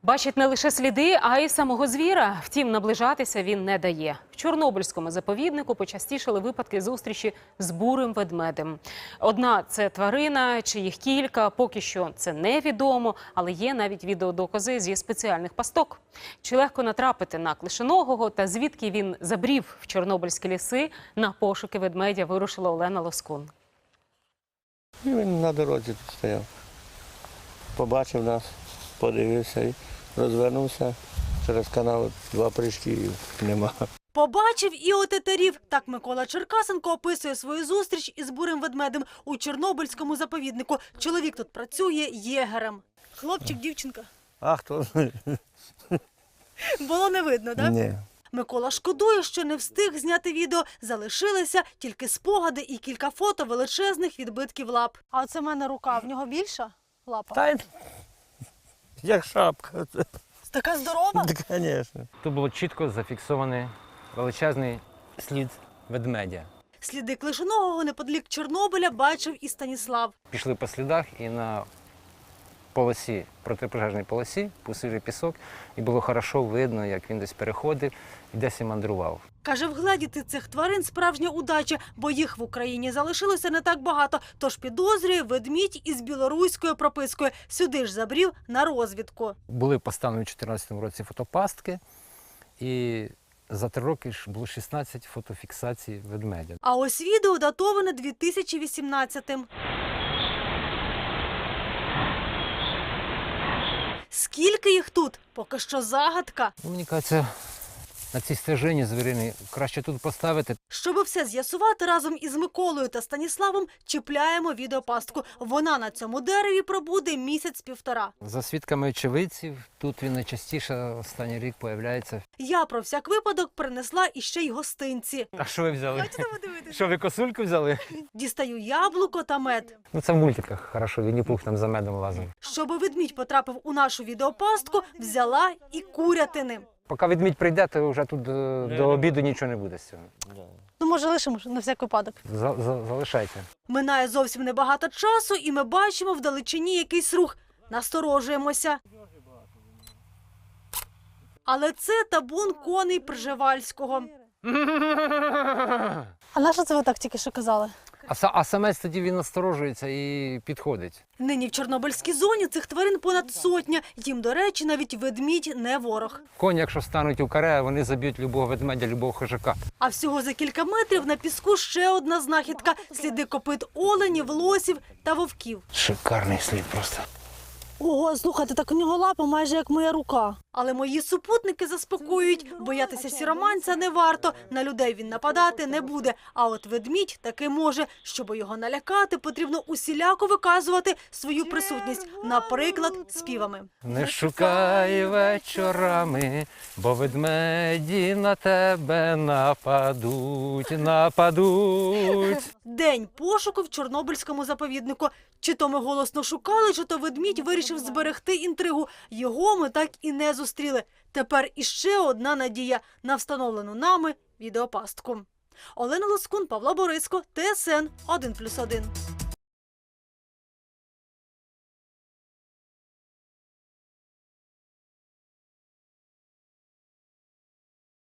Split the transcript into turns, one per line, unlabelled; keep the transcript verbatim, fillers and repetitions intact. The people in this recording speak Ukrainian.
Бачить не лише сліди, а й самого звіра. Втім, наближатися він не дає. В Чорнобильському заповіднику почастішали випадки зустрічі з бурим ведмедем. Одна – це тварина, чи їх кілька, поки що це невідомо, але є навіть відеодокази зі спеціальних пасток. Чи легко натрапити на клишоногого та звідки він забрів в чорнобильські ліси, на пошуки ведмедя вирушила Олена Лоскун.
І він на дорозі тут стояв. Побачив нас, подивився і розвернувся через канал, два прыжки і нема.
Побачив і отетерів. Так Микола Черкасенко описує свою зустріч із бурим ведмедем у Чорнобильському заповіднику. Чоловік тут працює єгерем. Хлопчик, дівчинка.
А хто?
Було не видно, так?
Ні.
Микола шкодує, що не встиг зняти відео. Залишилися тільки спогади і кілька фото величезних відбитків лап. А оце в мене рука. В нього більша лапа?
Та й як шапка.
Така здорова?
Звісно.
Тут було чітко зафіксований величезний слід ведмедя.
Сліди клишоногого неподалік Чорнобиля бачив і Станіслав.
Пішли по слідах і на полосі, протипожежній полосі, пустили пісок, і було хорошо видно, як він десь переходив і десь і мандрував.
Каже, вгледіти цих тварин – справжня удача, бо їх в Україні залишилося не так багато. Тож підозрює ведмідь із білоруською пропискою. Сюди ж забрів на розвідку.
Були поставлені у дві тисячі чотирнадцятому році фотопастки, і за три роки ж було шістнадцять фотофіксацій ведмедя.
А ось відео датоване дві тисячі вісімнадцятим. Скільки їх тут? Поки що загадка.
Ну, мені кажеться, на цій стежині звірині краще тут поставити.
Щоби все з'ясувати, разом із Миколою та Станіславом чіпляємо відеопастку. Вона на цьому дереві пробуде місяць-півтора.
За свідками очевидців, тут він найчастіше останній рік появляється.
Я про всяк випадок принесла іще й гостинці.
А що ви взяли?
Хочете подивитися?
Що, ви косульку взяли?
Дістаю яблуко та мед.
Ну це в мультиках, хорошо, Вінні-Пух там за медом лазив.
Щоби ведмідь потрапив у нашу відеопастку, взяла і курятини.
Поки ведмідь прийде, то вже тут до, до обіду нічого не буде з цього.
Ну, може, лишимо на всяк випадок.
За, за, залишайте.
Минає зовсім небагато часу, і ми бачимо вдалечині якийсь рух. Насторожуємося. Але це табун коней Пржевальського. А на що це ви так тільки що казали?
А, са- а самець тоді він насторожується і підходить.
Нині в Чорнобильській зоні цих тварин понад сотня. Їм, до речі, навіть ведмідь не ворог.
Коні, якщо стануть у каре, вони заб'ють любого ведмедя, любого хижака.
А всього за кілька метрів на піску ще одна знахідка. Сліди копит оленів, лосів та вовків.
Шикарний слід просто.
Ого, слухайте, так у нього лапа майже як моя рука. Але мої супутники заспокоюють. Боятися сіроманця не варто. На людей він нападати не буде. А от ведмідь таки може. Щоб його налякати, потрібно усіляко виказувати свою присутність. Наприклад, співами.
Не шукай вечорами, бо ведмеді на тебе нападуть, нападуть.
День пошуку в Чорнобильському заповіднику. Чи то ми голосно шукали, чи то ведмідь вирішив зберегти інтригу. Його ми так і не зустріли. Тепер іще одна надія на встановлену нами відеопастку. Олена Лоскун, Павло Бориско, Т С Н один плюс один.